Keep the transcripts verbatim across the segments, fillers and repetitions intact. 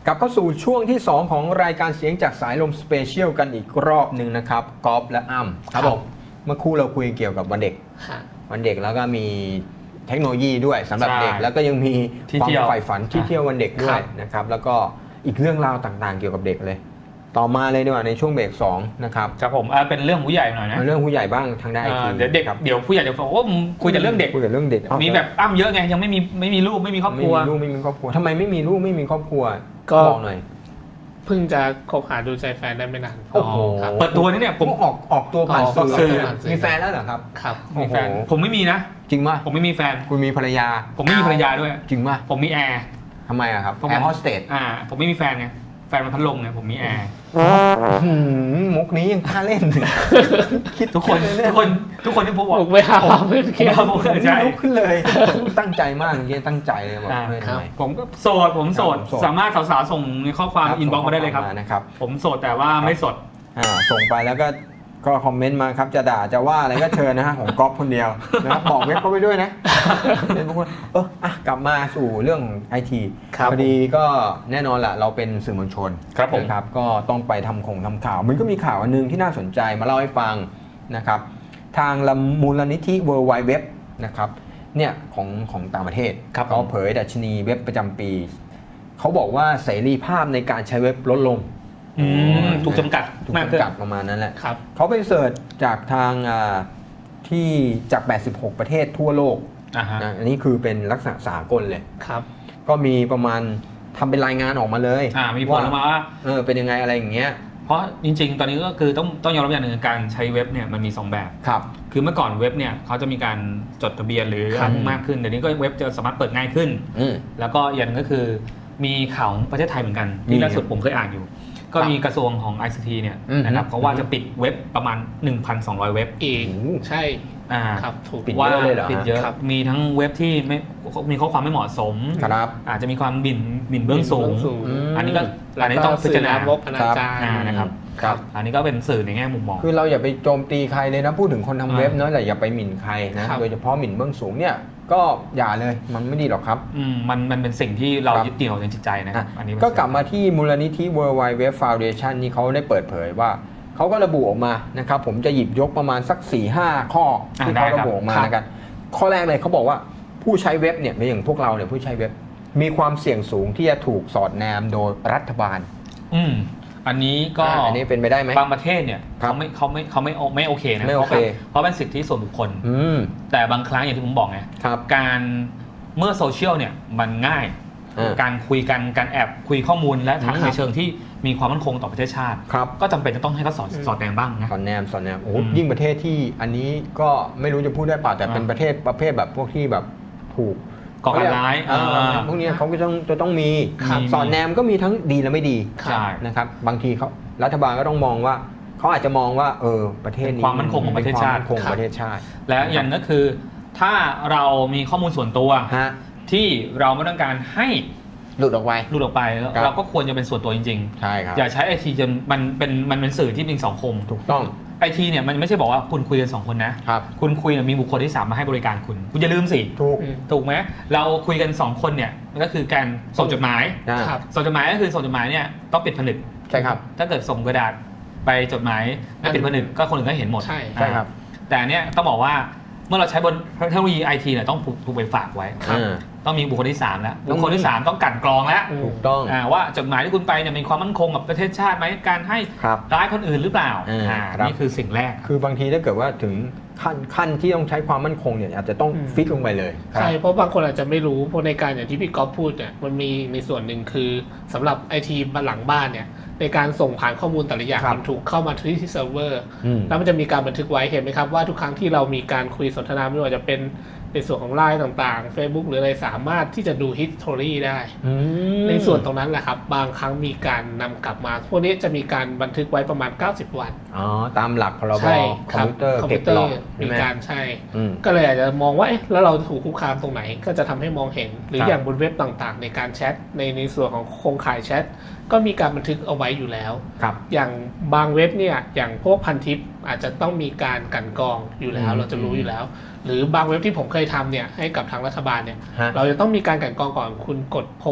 กลับเข้าสู่ช่วงที่สองของรายการเสียงจากสายลมสเปเชียลกันอีกรอบหนึ่งนะครับก๊อฟและอ้ำครับผมเมื่อคู่เราคุยเกี่ยวกับวันเด็กวันเด็กแล้วก็มีเทคโนโลยีด้วยสำหรับเด็กแล้วก็ยังมีความใฝ่ฝันที่เที่ยววันเด็กด้วยนะครับแล้วก็อีกเรื่องราวต่างๆเกี่ยวกับเด็กเลยต่อมาเลยดีกว่าในช่วงเบรกสองนะครับครับผมเป็นเรื่องผู้ใหญ่หน่อยนะเรื่องผู้ใหญ่บ้างทางด้านไอทีเดี๋ยวเด็กเดี๋ยวผู้ใหญ่จะบอกว่าคุยแต่เรื่องเด็กคุยแต่เรื่องเด็กมีแบบอ้ำเยอะไงยังไม่มีไม่มีลูกไม่มีครอบครัวไม่มีลูกไม่มีครอบครัวทำไมไม่มีลูกไม่มีครอบครัวก็บอกหน่อยเพิ่งจะคบหาดูใจแฟนได้ไม่นานโอ้โหเปิดตัวนี่เนี่ยผมออกออกตัวผ่านสื่อมีแฟนแล้วเหรอครับครับมีแฟนผมไม่มีนะจริงป่ะผมไม่มีแฟนคุณมีภรรยาผมไม่มีภรรยาด้วยจริงป่ะผมมีแอร์ทำไมอะครับแอร์โฮสเตสอ่าผมไม่มีแฟนไงแฟนมันพัดลมไงผมมีแอร์มุกนี้ยังกล้าเล่นคิดทุกคนทุกคนทุกคนที่พูดว่าไม่หาเพื่อนเคียร์ผมใช่ลุกขึ้นเลยตั้งใจมากจริงตั้งใจเลยบอกเพื่อนทำไมผมก็โสดผมโสดสามารถสาวๆส่งในข้อความอินบ็อกซ์มาได้เลยครับนะครับผมโสดแต่ว่าไม่สดส่งไปแล้วก็ก็คอมเมนต์มาครับจะด่าจะว่าอะไรก็เชิญนะฮะของก๊อฟคนเดียวนะครับบอกเว็บเขาไปด้วยนะเป็นพวกเอออ่ะกลับมาสู่เรื่องไอทีพอดีก็แน่นอนแหละเราเป็นสื่อมวลชนนะครับก็ต้องไปทำคงทำข่าวมันก็มีข่าวอันนึงที่น่าสนใจมาเล่าให้ฟังนะครับทางมูลนิธิ World Wide Web นะครับเนี่ยของของต่างประเทศเขาเผยดัชนีเว็บประจำปีเขาบอกว่าเสรีภาพในการใช้เว็บลดลงถูกจำกัดถูกจำกัดประมาณนั้นแหละครับเขาไปเสิร์ชจากทางที่จากแปดสิบหกประเทศทั่วโลกนะอันนี้คือเป็นลักษณะสากลเลยครับก็มีประมาณทำเป็นรายงานออกมาเลยมีผลออกมาว่าเออเป็นยังไงอะไรอย่างเงี้ยเพราะจริงๆตอนนี้ก็คือต้องต้องยอมรับอย่างหนึ่งการใช้เว็บเนี่ยมันมีสองแบบครับคือเมื่อก่อนเว็บเนี่ยเขาจะมีการจดทะเบียนหรือมากขึ้นเดี๋ยวนี้ก็เว็บจะสามารถเปิดง่ายขึ้นแล้วก็อย่างนึงก็คือมีข่าวของประเทศไทยเหมือนกันที่ล่าสุดผมเคยอ่านอยู่ก็มีกระทรวงของ ไอ ซี ที เนี่ยนะครับเขาว่าจะปิดเว็บประมาณ หนึ่งพันสองร้อย เว็บอีกใช่อ่าครับถูกปิดเยอะเลยเหรอปิดเยอะมีทั้งเว็บที่ไม่มีข้อความไม่เหมาะสมครับอาจจะมีความบิ่นบิ่นเบื้องสูงอันนี้ก็อันนี้ต้องพิจารณาลบอนาจารนะครับครับอันนี้ก็เป็นสื่อในแง่มุมมองคือเราอย่าไปโจมตีใครเลยนะพูดถึงคนทำเว็บเนาะแต่อย่าไปหมิ่นใครนะโดยเฉพาะหมิ่นเบื้องสูงเนี่ยก็อย่าเลยมันไม่ดีหรอกครับอืมมันมันเป็นสิ่งที่เรายึดเหนี่ยวในจิตใจนะครับอันนี้ก็กลับมาที่มูลนิธิ World Wide Web Foundation นี่เขาได้เปิดเผยว่าเขาก็ระบุออกมานะครับผมจะหยิบยกประมาณสัก สี่ห้า ข้อที่เขาระบุออกมานะครับข้อแรกเลยเขาบอกว่าผู้ใช้เว็บเนี่ยอย่างพวกเราเนี่ยผู้ใช้เว็บมีความเสี่ยงสูงที่จะถูกสอดแนมโดยรัฐบาลอืมอันนี้ก็อันนี้เป็นไปได้ไหมบางประเทศเนี่ยเขาไม่เขาไม่เขาไม่ไม่โอเคนะไม่โอเคเพราะเป็นสิทธิส่วนบุคคลแต่บางครั้งอย่างที่ผมบอกไงการเมื่อโซเชียลเนี่ยมันง่ายการคุยกันการแอบคุยข้อมูลและทักในเชิงที่มีความมั่นคงต่อประเทศชาติก็จำเป็นจะต้องให้เขาสอดสอดแนมบ้างนะสอดแนมสอดแนมโอ้ยิ่งประเทศที่อันนี้ก็ไม่รู้จะพูดได้เปล่าแต่เป็นประเทศประเภทแบบพวกที่แบบถูกก่อการร้ายพวกนี้เขาก็ต้องจะต้องมีสอดแนมก็มีทั้งดีและไม่ดีนะครับบางทีเขารัฐบาลก็ต้องมองว่าเขาอาจจะมองว่าเออประเทศนี้ความมั่นคงของประเทศชาติคงประเทศชาติและอย่างก็คือถ้าเรามีข้อมูลส่วนตัวที่เราไม่ต้องการให้หลุดออกไปหลุดออกไปเราก็ควรจะเป็นส่วนตัวจริงๆใช่ครับอย่าใช้ไอทีจนมันเป็นมันเป็นสื่อที่เป็นสังคมถูกต้องไอทีเนี่ยมันไม่ใช่บอกว่าคุณคุยกันสองคนนะครับคุณคุยมีบุคคลที่สามมาให้บริการคุณคุณอย่าลืมสิถูกถูกไหมเราคุยกันสองคนเนี่ยก็คือการส่งจดหมายส่งจดหมายก็คือส่งจดหมายเนี่ยต้องปิดผนึกใช่ครับถ้าเกิดส่งกระดาษไปจดหมายไม่ปิดผนึกก็คนอื่นก็เห็นหมดใช่ใช่ครับแต่เนี่ยต้องบอกว่าเมื่อเราใช้บนเทคโนโลยีไอทีเนี่ยต้องถูกไปฝากไว้ต้องมีบุคคลที่สามแล้วบุคคลที่สามต้องกั่นกรองแล้วถูกต้องว่าจดหมายที่คุณไปเนี่ยมีความมั่นคงกับประเทศชาติไหมการให้ร้ายคนอื่นหรือเปล่านี่คือสิ่งแรกคือบางทีถ้าเกิดว่าถึงขั้นขั้นที่ต้องใช้ความมั่นคงเนี่ยอาจจะต้องฟิกลงไปเลยใช่เพราะบางคนอาจจะไม่รู้เพราะในการอย่างที่พี่ก๊อฟพูดเนี่ยมันมีในส่วนหนึ่งคือสำหรับไอทีหลังบ้านเนี่ยในการส่งผ่านข้อมูลแต่ละอย่างมันถูกเข้ามาที่เซิร์ฟเวอร์แล้วมันจะมีการบันทึกไว้เห็นไหมครับว่าทุกครั้งที่เรามีการคุยสนทนาไม่ว่าจะเป็นในส่วนของไลน์ต่างๆ Facebook หรืออะไรสามารถที่จะดู history ได้ในส่วนตรงนั้นแหละครับบางครั้งมีการนำกลับมาพวกนี้จะมีการบันทึกไว้ประมาณเก้าสิบวันอ๋อตามหลักพรบคอมพิวเตอร์เก็บหลอกมีการใช่ก็เลยอาจจะมองว่าเอ๊ะแล้วเราถูกคุกคามตรงไหนก็จะทำให้มองเห็นหรืออย่างบนเว็บต่างๆในการแชทในในส่วนของโครงข่ายแชทก็มีการบันทึกเอาไว้อยู่แล้วอย่างบางเว็บเนี่ยอย่างพวกพันทิปอาจจะต้องมีการกันกรองอยู่แล้วเราจะรู้อยู่แล้วหรือบางเว็บที่ผมเคยทำเนี่ยให้กับทางรัฐบาลเนี่ยเราจะต้องมีการกันกรองก่อนคุณกดโพสต์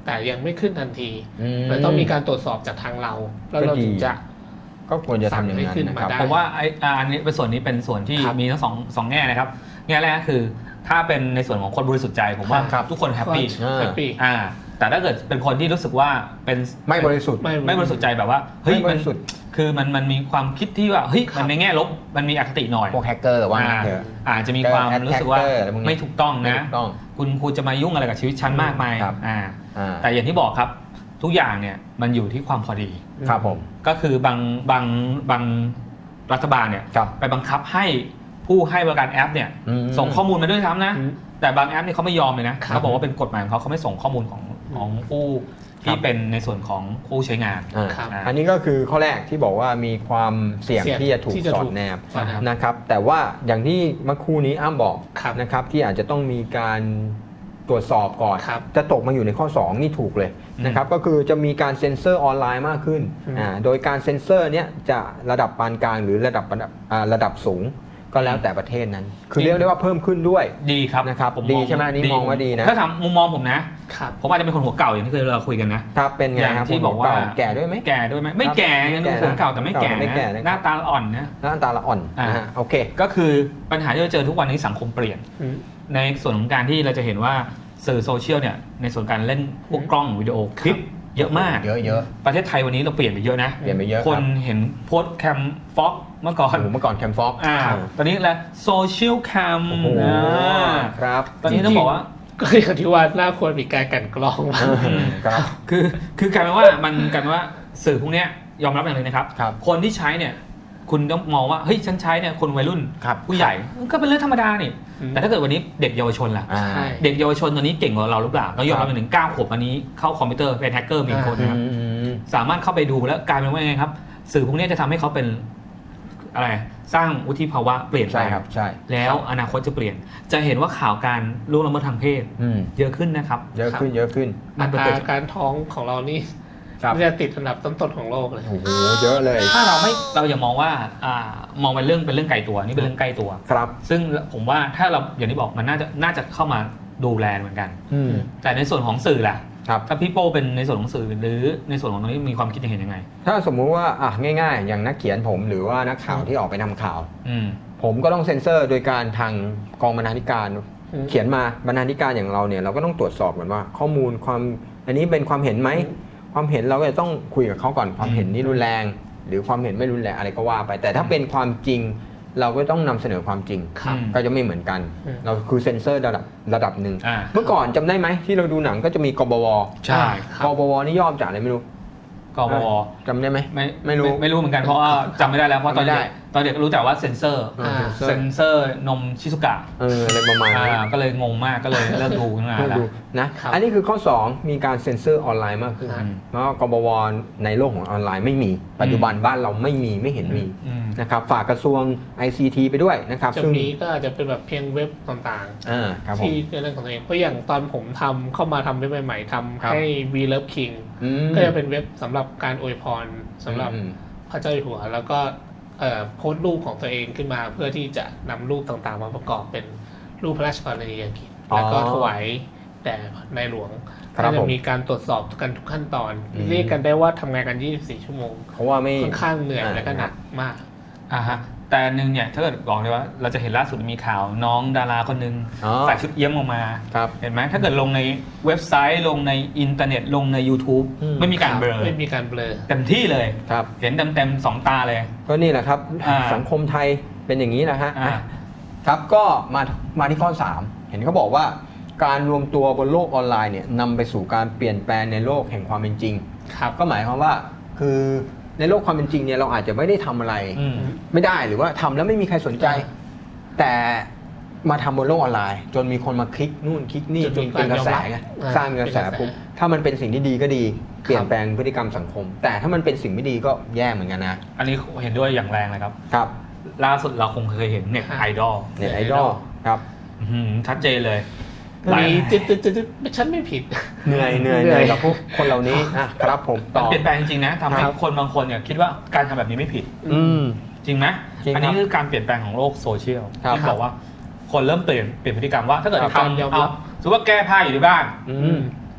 แต่ยังไม่ขึ้นทันทีเลยต้องมีการตรวจสอบจากทางเราแล้วเราถึงจะก็ควรจะทำอย่างนั้นนะครับผมว่าไอ้อันนี้เป็นส่วนนี้เป็นส่วนที่มีทั้งสองสองแง่นะครับแง่แรกคือถ้าเป็นในส่วนของคนบริสุทธิ์ใจผมว่าทุกคนแฮปปี้แฮปปี้อ่าแต่ถ้าเกิดเป็นคนที่รู้สึกว่าเป็นไม่บริสุทธิ์ไม่บริสุทธิ์ใจแบบว่าเฮ้ยมันคือมันมันมีความคิดที่ว่าเฮ้ยมันในแง่ลบมันมีอคติหน่อยพวกแฮกเกอร์ว่าอาจจะมีความรู้สึกว่าไม่ถูกต้องนะคุณคุณจะมายุ่งอะไรกับชีวิตฉันมากมายอ่าแต่อย่างที่บอกครับทุกอย่างเนี่ยมันอยู่ที่ความพอดีครับผมก็คือบางบางบางรัฐบาลเนี่ยไปบังคับให้ผู้ให้บริการแอปเนี่ยส่งข้อมูลมาด้วยซ้ำนะแต่บางแอปเนี่ยเขาไม่ยอมเลยนะเขาบอกว่าเป็นกฎหมายของเขาเขาไม่ส่งข้อมูลของของผู้ที่เป็นในส่วนของผู้ใช้งานอันนี้ก็คือข้อแรกที่บอกว่ามีความเสี่ยงที่จะถูกสอดแนบนะครับแต่ว่าอย่างที่เมื่อครู่นี้อ้ำบอกนะครับที่อาจจะต้องมีการตรวจสอบก่อนจะตกมาอยู่ในข้อสองนี่ถูกเลยนะครับก็คือจะมีการเซ็นเซอร์ออนไลน์มากขึ้นโดยการเซ็นเซอร์เนี้ยจะระดับปานกลางหรือระดับระดับสูงก็แล้วแต่ประเทศนั้นคือเรียกได้ว่าเพิ่มขึ้นด้วยดีครับนะครับดีใช่ไหมนี่มองว่าดีนะถ้าถามมุมมองผมนะผมอาจจะเป็นคนหัวเก่าอย่างที่เคยเราคุยกันนะครับเป็นไงครับที่บอกว่าแก่ด้วยไหมแก่ด้วยไหมไม่แก่ยังหัวเก่าแต่ไม่แก่หน้าตาอ่อนนะหน้าตาละอ่อนนะโอเคก็คือปัญหาที่เราเจอทุกวันนี้สังคมเปลี่ยนในส่วนของการที่เราจะเห็นว่าสื่อโซเชียลเนี่ยในส่วนการเล่นพวกกล้องวิดีโอคลิปเยอะมากเยอะๆประเทศไทยวันนี้เราเปลี่ยนไปเยอะนะเปลี่ยนไปเยอะคนเห็นโพสแคมฟ็อกเมื่อก่อนเมื่อก่อนแคมฟ็อกอ่าตอนนี้แล้วโซเชียลแคมนะครับตอนนี้ต้องบอกว่าก็อย่างที่ว่าน่าควรมีการกันกรองครับคือคือกลายเป็นว่ามันกันว่าสื่อพวกนี้ยอมรับอย่างนึงนะครับคนที่ใช้เนี่ยคุณต้องมองว่าเฮ้ยฉันใช้เนี่ยคนวัยรุ่นผู้ใหญ่ก็เป็นเรื่องธรรมดานี่แต่ถ้าเกิดวันนี้เด็กเยาวชนล่ะเด็กเยาวชนตอนนี้เก่งกว่าเราหรือเปล่าต้องยอมรับอย่างหนึ่งเก้าขวบวันนี้เข้าคอมพิวเตอร์เป็นแฮกเกอร์มีคนนะครับสามารถเข้าไปดูแล้วกลายเป็นว่าไงครับสื่อพวกนี้จะทำให้เขาเป็นอะไรสร้างวุฒิภาวะเปลี่ยนไปครับใช่แล้วอนาคตจะเปลี่ยนจะเห็นว่าข่าวการล่วงละเมิดทางเพศเยอะขึ้นนะครับเยอะขึ้นเยอะขึ้นอัตราการท้องของเรานี่จะติดอันดับต้นๆของโลกเลยโอ้โหเยอะเลยถ้าเราไม่เราอย่ามองว่าอ่ามองเป็นเรื่องเป็นเรื่องไกลตัวนี่เป็นเรื่องใกล้ตัวครับซึ่งผมว่าถ้าเราอย่างที่บอกมันน่าจะน่าจะเข้ามาดูแลเหมือนกันแต่ในส่วนของสื่อล่ะถ้าพี่โป้เป็นในส่วนของสื่อหรือในส่วนของตรงนี้มีความคิดเห็นยังไงถ้าสมมุติว่าอ่ะง่ายๆอย่างนักเขียนผมหรือว่านักข่าวที่ออกไปทำข่าวผมก็ต้องเซ็นเซอร์โดยการทางกองบรรณาธิการเขียนมาบรรณาธิการอย่างเราเนี่ยเราก็ต้องตรวจสอบก่อนว่าข้อมูลความอันนี้เป็นความเห็นไหมความเห็นเราก็จะต้องคุยกับเขาก่อนความเห็นนี่รุนแรงหรือความเห็นไม่รุนแรงอะไรก็ว่าไปแต่ถ้าเป็นความจริงเราก็ต้องนำเสนอความจริงก็จะไม่เหมือนกันเราคือเซ็นเซอร์ระดับระดับหนึ่งเมื่อก่อนจำได้ไหมที่เราดูหนังก็จะมีกบวใช่กบวนี่ย่อมาจากอะไรไม่รู้กบวจำได้ไหมไม่ไม่รู้ไม่รู้เหมือนกันเพราะว่าจำไม่ได้แล้วเพราะตอนเด็กตอนเด็กรู้แต่ว่าเซ็นเซอร์เซ็นเซอร์นมชิซุกะเอออะไรประมาณนี้ก็เลยงงมากก็เลยเลิกดูนานแล้วนะอันนี้คือข้อสองมีการเซ็นเซอร์ออนไลน์มากขึ้นเพราะกบวในโลกของออนไลน์ไม่มีปัจจุบันบ้านเราไม่มีไม่เห็นมีนะครับฝากกระทรวง ไอ ซี ที ไปด้วยนะครับซึ่งนี้ก็อาจจะเป็นแบบเพียงเว็บต่างๆที่เป็นเรื่องของตัวเองเพราะอย่างตอนผมทำเข้ามาทำเว็บใหม่ๆทำให้ We Love King ก็จะเป็นเว็บสำหรับการอวยพรสำหรับพระเจ้าอยู่หัวแล้วก็โพสต์รูปของตัวเองขึ้นมาเพื่อที่จะนำรูปต่างๆมาประกอบเป็นรูปพระราชกรณียกิจแล้วก็ถวายแด่ในหลวงก็จะมีการตรวจสอบกันทุกขั้นตอนเรียกกันได้ว่าทำงานกันยี่สิบสี่ชั่วโมงเพราะว่าไม่ค่อนข้างเหนื่อยและก็หนักมากอ่าฮะแต่นึงเนี่ยถ้าเกิดบอกเลยว่าเราจะเห็นล่าสุดมีข่าวน้องดาราคนนึงใส่ชุดเอี้ยมออกมาเห็นไหมถ้าเกิดลงในเว็บไซต์ลงในอินเทอร์เน็ตลงใน YouTube ไม่มีการเบลอไม่มีการเบลอเต็มที่เลยเห็นเต็มๆสองตาเลยก็นี่แหละครับสังคมไทยเป็นอย่างนี้นะฮะครับก็มามาที่ข้อสามเห็นเขาบอกว่าการรวมตัวบนโลกออนไลน์เนี่ยนำไปสู่การเปลี่ยนแปลงในโลกแห่งความเป็นจริงก็หมายความว่าคือในโลกความเป็นจริงเนี่ยเราอาจจะไม่ได้ทำอะไรไม่ได้หรือว่าทำแล้วไม่มีใครสนใจแต่มาทำบนโลกออนไลน์จนมีคนมาคลิกนู่นคลิกนี่จนเป็นกระแสไงสร้างกระแสปุ๊บถ้ามันเป็นสิ่งที่ดีก็ดีเปลี่ยนแปลงพฤติกรรมสังคมแต่ถ้ามันเป็นสิ่งไม่ดีก็แย่เหมือนกันนะอันนี้เห็นด้วยอย่างแรงเลยครับครับล่าสุดเราคงเคยเห็นเน็ตไอดอลเน็ตไอดอลครับชัดเจนเลยมีจิตจิตจิตฉันไม่ผิดเหนื่อยเหนื่อยเหนื่อยกับพวกคนเหล่านี้นะครับผมต่อเปลี่ยนแปลงจริงๆนะทำให้คนบางคนเนี่ยคิดว่าการทำแบบนี้ไม่ผิดจริงไหมอันนี้คือการเปลี่ยนแปลงของโลกโซเชียลที่บอกว่าคนเริ่มเปลี่ยนเปลี่ยนพฤติกรรมว่าถ้าเกิดทำเอาสมมติว่าแก้ผ้าอยู่ที่บ้าน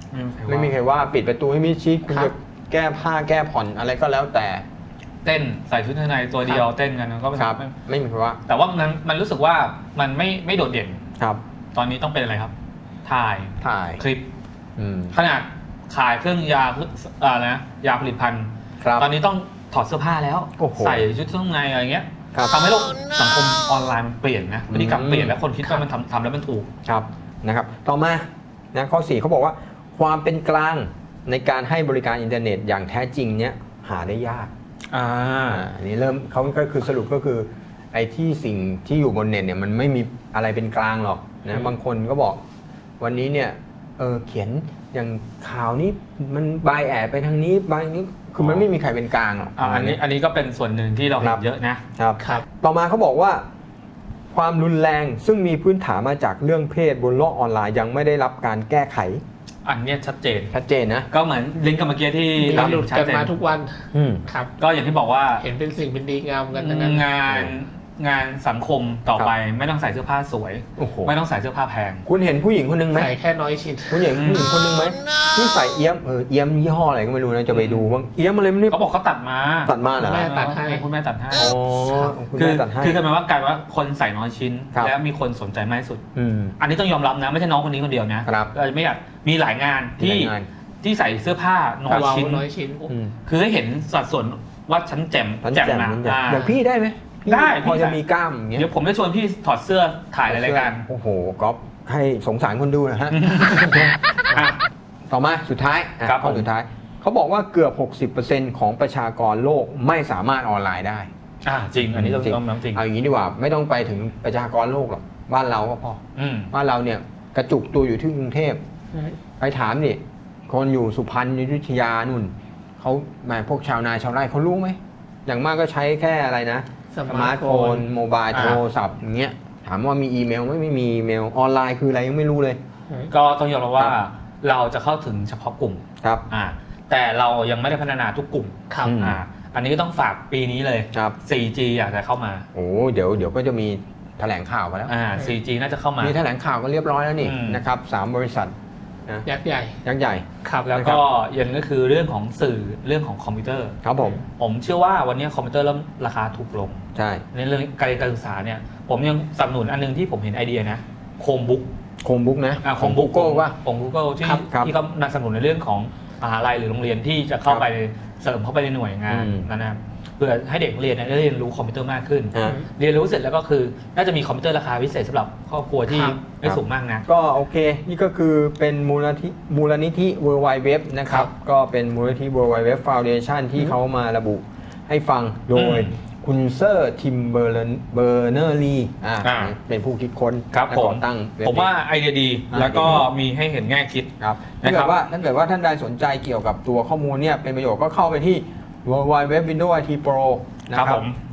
ไม่มีใครว่าปิดประตูให้มิดชิดคุณจะแก้ผ้าแก้ผ่อนอะไรก็แล้วแต่เต้นใส่ชุดข้างในตัวเดียวเต้นกันก็ไม่ครับไม่มีใครว่าแต่ว่ามันมันรู้สึกว่ามันไม่ไม่โดดเด่นครับตอนนี้ต้องเป็นอะไรครับถ่ายถ่ายคลิปขนาดขายเครื่องยาอะไรนะยาผลิตภัณฑ์ตอนนี้ต้องถอดเสื้อผ้าแล้วใส่ชุดข้างในอะไรเงี้ยทำให้โลกสังคมออนไลน์มันเปลี่ยนนะพฤติกรรมเปลี่ยนแล้วคนคิดว่ามันทำทำแล้วมันถูกครับนะครับต่อมานะข้อสี่เขาบอกว่าความเป็นกลางในการให้บริการอินเทอร์เน็ตอย่างแท้จริงเนี้ยหาได้ยากอ่าอันนี้เริ่มเขาก็คือสรุปก็คือไอ้ที่สิ่งที่อยู่บนเน็ตเนี่ยมันไม่มีอะไรเป็นกลางหรอกนะบางคนก็บอกวันนี้เนี่ยเออเขียนอย่างข่าวนี้มันบายแอดไปทางนี้บายนี้คือมันไม่มีใครเป็นกลางหรอกอันนี้อันนี้ก็เป็นส่วนหนึ่งที่เราเห็นเยอะนะครับครับต่อมาเขาบอกว่าความรุนแรงซึ่งมีพื้นฐานมาจากเรื่องเพศบนโลกออนไลน์ยังไม่ได้รับการแก้ไขอันนี้ชัดเจนชัดเจนนะก็เหมือนลิงก์กับเมื่อกี้ที่เราหลุดกันมาทุกวันครับก็อย่างที่บอกว่าเห็นเป็นสิ่งเป็นดีงามกันงานงานสังคมต่อไปไม่ต้องใส่เสื้อผ้าสวยไม่ต้องใส่เสื้อผ้าแพงคุณเห็นผู้หญิงคนนึงไหมใส่แค่น้อยชิ้นคุณเห็นผู้หญิงคนนึงไหมที่ใส่เอี้ยมเออเอี้ยมยี่ห้ออะไรก็ไม่รู้นะจะไปดูว่าเอี้ยมอะไรไม่รู้เขาบอกเขาตัดมาตัดมาเหรอแม่ตัดให้คุณแม่ตัดให้อ๋อคุณแม่ตัดให้คือคือหมายว่ากลายว่าคนใส่น้อยชิ้นแล้วมีคนสนใจมากที่สุดอันนี้ต้องยอมรับนะไม่ใช่น้องคนนี้คนเดียวนะเราไม่อยากมีหลายงานที่ที่ใส่เสื้อผ้าน้อยชิ้นน้อยชิ้นคือให้เห็นสัดส่วนว่าฉันแจ่มแจ่มนะอย่างพี่ได้ไหมได้พอจะมีกล้ามอย่างเงี้ยเดี๋ยวผมจะชวนพี่ถอดเสื้อถ่ายรายการโอ้โหก๊อฟให้สงสารคนดูนะฮะต่อมาสุดท้ายข้อสุดท้ายเขาบอกว่าเกือบ หกสิบเปอร์เซ็นต์ ของประชากรโลกไม่สามารถออนไลน์ได้อ่าจริงอันนี้ต้องต้องจริงเอาอย่างนี้ดีกว่าไม่ต้องไปถึงประชากรโลกหรอกบ้านเราก็พอบ้านเราเนี่ยกระจุกตัวอยู่ที่กรุงเทพไปถามนี่คนอยู่สุพรรณอยุธยานู่นเขาแม่พวกชาวนาชาวไร่เขารู้ไหมอย่างมากก็ใช้แค่อะไรนะสมาร์ทโฟนโมบายโทรศัพท์อย่างเงี้ยถามว่ามีอีเมลไหมไม่มีอีเมลออนไลน์คืออะไรยังไม่รู้เลยก็ต้องยอมรับว่าเราจะเข้าถึงเฉพาะกลุ่มครับอ่าแต่เรายังไม่ได้พัฒนาทุกกลุ่มครับอ่าอันนี้ก็ต้องฝากปีนี้เลยครับโฟร์จี อยากจะเข้ามาโอ้เดี๋ยวเดี๋ยวก็จะมีแถลงข่าวกันแล้วอ่า โฟร์จี น่าจะเข้ามามีแถลงข่าวก็เรียบร้อยแล้วนี่นะครับสามบริษัทยักษ์ใหญ่ยักษ์ใหญ่ครับแล้วก็ยังก็คือเรื่องของสื่อเรื่องของคอมพิวเตอร์ครับผมผมเชื่อว่าวันนี้คอมพิวเตอร์เริ่มราคาถูกลงใช่ในเรื่องการการศึกษาเนี่ยผมยังสนับสนุนอันนึงที่ผมเห็นไอเดียนะโคมบุ๊กโคมบุ๊กนะของ Google ว่าของ Google ที่ที่เขาสนับสนุนในเรื่องของมหาลัยหรือโรงเรียนที่จะเข้าไปเสริมเข้าไปในหน่วยงานนะครับเพื่อให้เด็กเรียนได้เรียนรู้คอมพิวเตอร์มากขึ้นเรียนรู้เสร็จแล้วก็คือน่าจะมีคอมพิวเตอร์ราคาพิเศษสำหรับครอบครัวที่ไม่สูงมากนะก็โอเคนี่ก็คือเป็นมูลนิธิมูลนิธิ World Wide Web นะครับก็เป็นมูลนิธิ World Wide Web Foundation ที่เขามาระบุให้ฟังโดยคุณเซอร์ทิมเบอร์เนอร์ลีเป็นผู้คิดค้นและก่อตั้งผมว่าไอเดียดีแล้วก็มีให้เห็นแง่คิดครับถ้าเกิดว่าถ้าเกิดว่าท่านใดสนใจเกี่ยวกับตัวข้อมูลเนี่ยเป็นประโยชน์ก็เข้าไปที่ World Wide Web Windows ไอ ที Pro นะครับ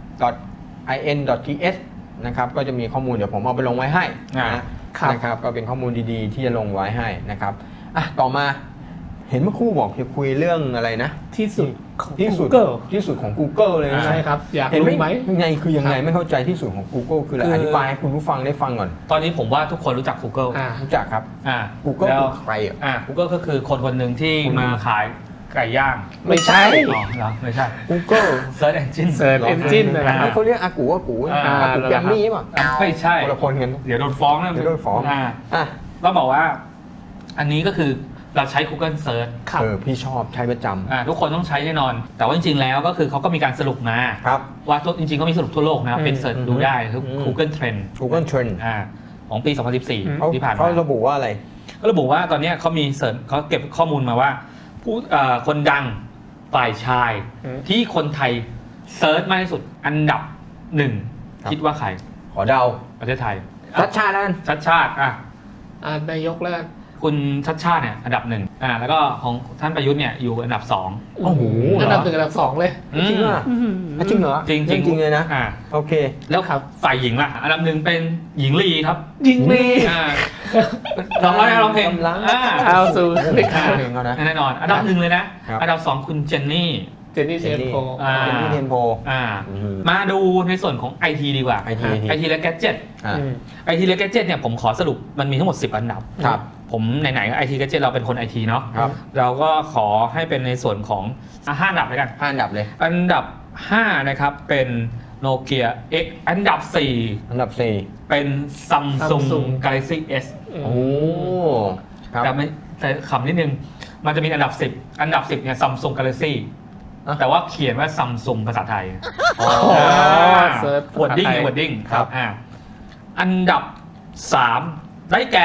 .in.th นะครับก็จะมีข้อมูลเดี๋ยวผมเอาไปลงไว้ให้นะครับก็เป็นข้อมูลดีๆที่จะลงไว้ให้นะครับอ่ะต่อมาเห็นเมื่อครู่บอกจะคุยเรื่องอะไรนะที่สุดที่สุดที่สุดของ Google เลยใช่ครับอยากรู้ไหมยังไงคือยังไงไม่เข้าใจที่สุดของ Google คืออะไรอธิบายให้คุณผู้ฟังได้ฟังก่อนตอนนี้ผมว่าทุกคนรู้จัก Google รู้จักครับ Google คือใครอ่ะ Google ก็คือคนคนหนึ่งที่มาขายไก่ย่างไม่ใช่อ๋อเหรอไม่ใช่ Google Search Engine Search Engine นะครับเขาเรียกอากูอากูอากูแกมมี่ป่ะไม่ใช่คนละคนกันเดี๋ยวโดนฟ้องนะเดี๋ยวโดนฟ้องอ่ะต้องบอกว่าอันนี้ก็คือเราใช้ Google Search เออพี่ชอบใช้ประจำอ่าทุกคนต้องใช้แน่นอนแต่ว่าจริงๆแล้วก็คือเขาก็มีการสรุปมาว่าจริงๆก็มีสรุปทั่วโลกนะเป็นเสิร์ชดูได้คือ Google Trend Google Trend อ่าของปีสองพันสิบสี่ที่ผ่านมาเขาระบุว่าอะไรเขาระบุว่าตอนนี้เขามีเสิร์ชเขาเก็บข้อมูลมาว่าผู้คนดังฝ่ายชายที่คนไทยเซิร์ชมากที่สุดอันดับหนึ่งคิดว่าใครขอเดาประเทศไทยชัดชาตินั่นชัดชาติอ่ะนายกแล้วคุณชัดชาติเนี่ยอันดับหนึ่งอ่าแล้วก็ของท่านประยุทธ์เนี่ยอยู่อันดับสองโอ้โหอันดับหนึ่งอันดับสองเลยจริงเหรอจริงเหรอจริงจริงเลยนะอ่าโอเคแล้วครับฝ่ายหญิงล่ะอันดับหนึ่งเป็นหญิงลีครับหญิงลีอ่าร้องร้องร้องเพลงอ่าเอาสู่เพลงเขานะแน่นอนอันดับหนึ่งเลยนะอันดับสองคุณเจนนี่เจนนี่เทนโพเจนนี่เทนโพอ่ามาดูในส่วนของ ไอ ที ดีกว่าไอ ทีไอ ที และแกดเจ็ตไอ ที และแกดเจ็ตเนี่ยผมขอสรุปมันมีทั้งหมดสิบอันดับครับผมไหนๆไอทีแกจิตเราเป็นคนไอทีเนาะครับเราก็ขอให้เป็นในส่วนของห้าอันดับเลยกันห้าอันดับเลยอันดับห้านะครับเป็น Nokia X อันดับสี่อันดับสี่เป็น Samsung Samsung Galaxy S โอ้ครับแต่ไม่แต่ขำนิดนึงมันจะมีอันดับสิบอันดับสิบเนี่ย Samsung Galaxy อ่ะแต่ว่าเขียนว่า Samsung ภาษาไทยอ๋อเซิร์ชวอร์ดดิ้งภาษาไทยวอร์ดดิ้งครับอ่าอันดับสามได้แก่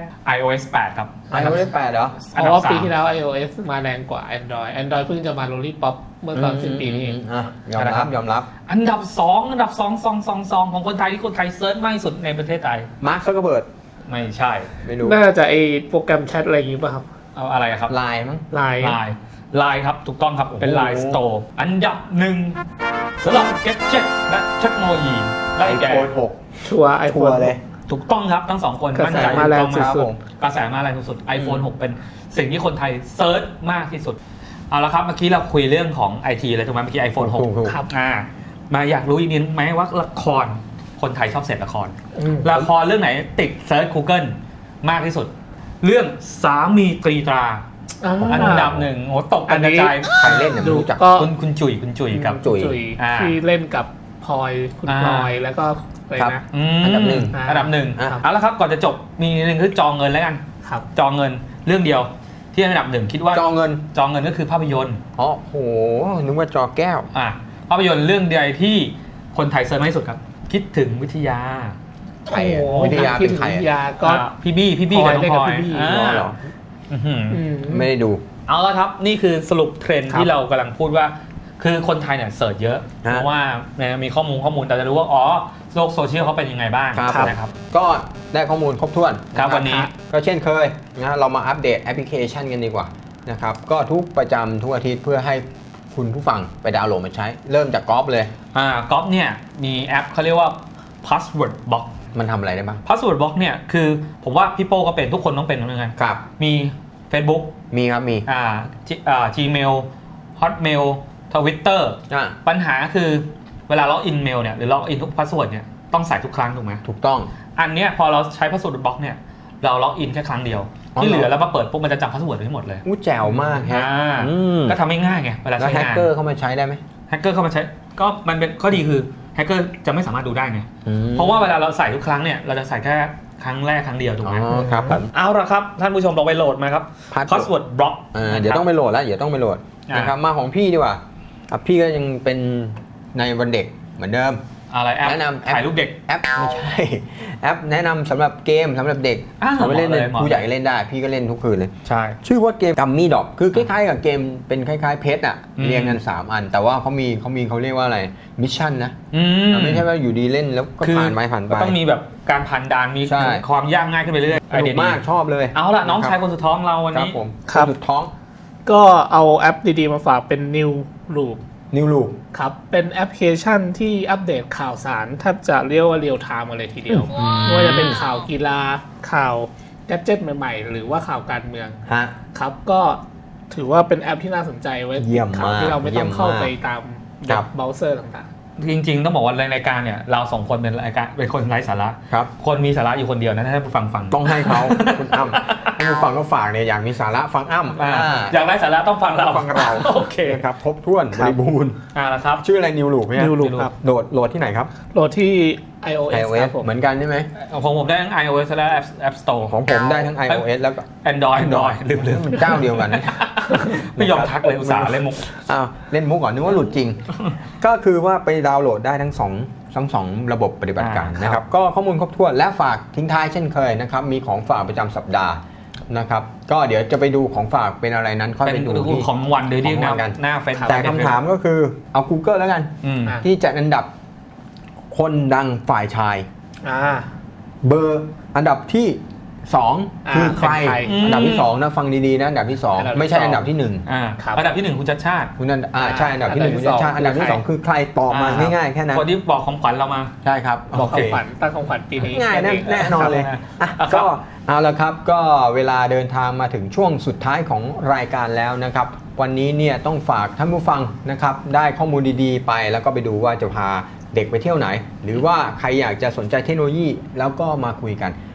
iOS แปดครับไอโอเอสแปดเหรอเพราะว่าปีที่แล้ว iOS มาแรงกว่า Android Android เพิ่งจะมา Lollipop เมื่อตอนสิ้นปีนี้เองอ่ะยอมรับยอมรับอันดับสองอันดับสองสองสองสองของคนไทยที่คนไทยเซิร์ชมากที่สุดในประเทศไทยมาร์คซักเกอร์เบิร์ดไม่ใช่ไม่รู้น่าจะไอโปรแกรมแชทอะไรอย่างงี้ป่ะครับเอาอะไรครับไลน์มั้งไลน์ไลน์ไลน์ครับถูกต้องครับเป็นโอ้โห Line Store อันดับหนึ่งสำหรับ Gadget และเทคโนโลยีได้ไอแก่โฟนหกชัวร์ไอโฟชัวน ร์เลยถูกต้องครับทั้งสองคนกระแสมั่นใจมาแรงถูกต้องสุดๆครับกระแสมาแรงสุดๆ iPhone หก เป็นสิ่งที่คนไทยเซิร์ชมากที่สุดเอาละครับเมื่อกี้เราคุยเรื่องของ ไอ ที เลยถูกไหมเมื่อกี้ iPhone หกถูกถูกครับอ่ามาอยากรู้อีกนิดไหมว่าละครคนไทยชอบเสพละครอืมละครเรื่องไหนติดเซิร์ช Google มากที่สุด เรื่องสามีตรีตราาอันดับหนึ่งโอ้ตกอักันนกนี้ระจายใครเล่นเนี่ยไม่ดูรู้จักก็คุณคุณจุ๋ยคุณจุ๋ยกับจุ๋ยอ่าที่เล่นกับพลอยคุณอ่าพลอยแล้วก็อะไรครับนะมอันดับหนึ่งอันดับหนึ่งอ่ะเอาละครับก่อนจะจบมีหนึ่งคือจองเงินแล้วกันครับจองเงินเรื่องเดียวที่อันดับหนึ่งคิดว่าจอเงินจองเงินก็คือภาพยนตร์อ๋อโหนึกว่าจอแก้วอ่ะภาพยนตร์เรื่องใดที่คนไทยเซิร์ชมากที่สุดครับ คิดถึงวิทยาใครอะโอ้โหวิทยาคิดเป็นถึงใครวิทอะยาก็อ่ะพี่บี้พี่บี้กับน้องพลอยพลอยเล่นกับพี่บี้อ่าอ๋อเหรออื้อหืออืมไม่ได้ดูเอาละครับนี่คือสรุปเทรนด์ครับที่เรากำลังพูดว่า คือคนไทยเนี่ยเสิร์ชเยอะฮะเพราะว่าเนี่ยมีข้อมูลข้อมูลแต่จะรู้ว่าอ๋อโลกโซเชียลเขาเป็นยังไงบ้างครับนะครับก็ได้ข้อมูลครบถ้วนครับะวันนี้ก็เช่นเคยนะเรามาอัปเดตแอปพลิเคชันกันดีกว่านะครับก็ทุกประจำทุกอาทิตย์เพื่อให้คุณผู้ฟังไปดาวน์โหลดมาใช้ เริ่มจากกอล์ฟเลยอ่าก๊อฟเนี่ยมีแอปเขาเรียกว่า password box มันทำอะไรได้บ้าง password box เนี่ยคือผมว่าพี่โป้ก็เป็นทุกคนต้องเป็นเหมือนกันครับมี Facebook มีครับมีอ่า G- อ่า Gmail Hotmail Twitter อ่ะปัญหาคือเวลาล็อกอินเมลเนี่ยหรือล็อกอินทุกพาสเวิร์ดเนี่ยต้องใส่ทุกครั้งถูกไหมถูกต้องอันเนี้ยพอเราใช้พาสเวิร์ดบล็อกเนี่ยเราล็อกอินแค่ครั้งเดียวอ๋อที่เหลืเหรออแล้วมาเปิดปุ๊บมันจะจำพาสเวิร์ดไว้หมดเลยอู้แจ๋วมากฮะอ่าอืมก็ทำให้ง่ายไงเวลาแล้วใช้แฮกงานเกอร์เข้ามาใช้ได้ไหมแฮกเกอร์เข้ามาใช้ก็มันเป็นข้อดีคือแฮกเกอร์จะไม่สามารถดูได้ไงอืมเพราะว่าเวลาเราใส่ทุกครั้งเนี่ยเราจะใส่แค่ครั้งแรกครั้งเดียวถูกอ๋ไหมอครับผมเอาละครับท่านผู้ชมลองไปโหลดมาครับ Password password block อ่าเดี๋ยวต้องไปโหลดแล้วเดี๋ยวต้องไปโหลดอ่านนะครับมาของพี่ดีกว่าอ่ะพี่ก็ยังเป็นในวันเด็กเหมือนเดิมอะไรแอปแนะนำแอปถ่ายรูปเด็กแอปไม่ใช่ แอปแนะนำสำหรับเกมสำหรับเด็กอ้าวเอาไปเล่นเหมาะเลเลย ยเหมาะผู้ใหญ่เล่นได้ พี่ก็เล่นทุกคืนเลยใช่ชื่อว่าเกมกัมมี่ดอกคือคล้ายๆกับเกมเป็นคล้ายๆเพชรอ่ะอืมเรียงกัน สาม อัน แต่ว่าเขามีเขามีเขาเรียกว่าอะไรมิชชั่นนะอืมไม่ใช่ว่าอยู่ดีเล่นแล้วก็คือผ่านไปผ่านไปก็ต้องมีแบบการผ่านด่านมีใช่ความยากง่ายขึ้นไปเรื่อยสนุกมากชอบเลยเอาละน้องชายคนสุดท้องเราวันครับนี้ผมครับสุดท้องก็เอาแอปดีๆมาฝากเป็น New Loop นิวลูครับ เป็นแอปพลิเคชันที่อัปเดตข่าวสารแทบจะเรียกว่าเรียลไทม์มาเลยทีเดียวไม่ว่าจะเป็นข่าวกีฬาข่าวแกดเจ็ตใหม่ๆ หรือว่าข่าวการเมืองฮะครับก็ถือว่าเป็นแอปที่น่าสนใจไว้เยี่ยมข่าวมากที่เราไม่ต้องเข้าเยี่ยมมากไปตามครับเบราว์เซอร์ต่างจริงๆ ต้องบอกว่าในรายการเนี่ยเราสองคนเป็นรายการเป็นคนไร้สาระครับคนมีสาระอยู่คนเดียวนะถ้าท่านผู้ฟังฟังต้องให้เขา คุณอ้ำให้ผู้ฟังก็ฝากเนี่ยอยากมีสาระฟังอ้ำอ่าอ่าอยากไร้สาระต้องฟังเราฟังเราโอเคนะครับครบถ้วนบริบูรณ์อ่าละครับชื่ออะไรนิวลูกไหมๆ New Loop ครับโหลดโหลดที่ไหนครับโหลดที่ iOS ครับผมเหมือนกันใช่ไหมของผมได้ทั้ง iOS และ App App Store ของผมได้ทั้ง iOS แล้วก็ Android Android ลืมลืมมันเจ้าเดียวกันนะไม่ยอมทักเลยอุตส่าห์เล่นมุกอ้าวเล่นมุกก่อนนึกว่าหลุดจริง ก็คือว่าไปดาวน์โหลดได้ทั้งสองทั้งสองระบบปฏิบัติการอ่านะครับก็ข้อมูลครบถ้วนและฝากทิ้งท้ายเช่นเคยนะครับมีของฝากประจำสัปดาห์นะครับก็เดี๋ยวจะไปดูของฝากเป็นอะไรนั้นค่อยเป็ไปนดูดูที่ของวันโดยที่ของหวัน้านกันหน้าเฟซแต่คำถามก็คือเอา Google แล้วกันอืมอ่ะที่จัดอันดับคนดังฝ่ายชายอ่าเบอร์อันดับที่สองอ่าคือใครเป็นใครอันดับที่สองนะฟังดีๆนะอันดับที่สองอันดับที่ไม่ใช่สองอันดับที่หนึ่งอ่าครับอันดับที่หนึ่งคุณชัดชาติคุณนันอ่าใช่อันดับที่หนึ่งอัคุนณดับที่ชาติสองอันดับที่สองคือใครตอบมาอ่าง่ายๆแค่นั้นคนที่บอกของขวัญเรามาใช่ครับบอกโอเคของขวัญตั้งของขวัญปีนี้ง่ายแน่แน่นอนเลยครับอ่ะครับก็เอาละครับก็เวลาเดินทางมาถึงช่วงสุดท้ายของรายการแล้วนะครับ วันนี้เนี่ยต้องฝากท่านผู้ฟังนะครับได้ข้อมูลดีๆ ไปแล้วก็ไปดูว่าจะพาเด็กไปเที่ยวไหน หรือว่าใครอยากจะสนใจเทคโนโลยีแล้วก็มาคุยกัน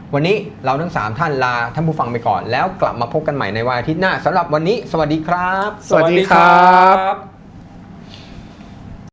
วันนี้เราทั้งสามท่านลาท่านผู้ฟังไปก่อนแล้วกลับมาพบกันใหม่ในวันอาทิตย์หน้าสำหรับวันนี้สวัสดีครับสวัสดีครับ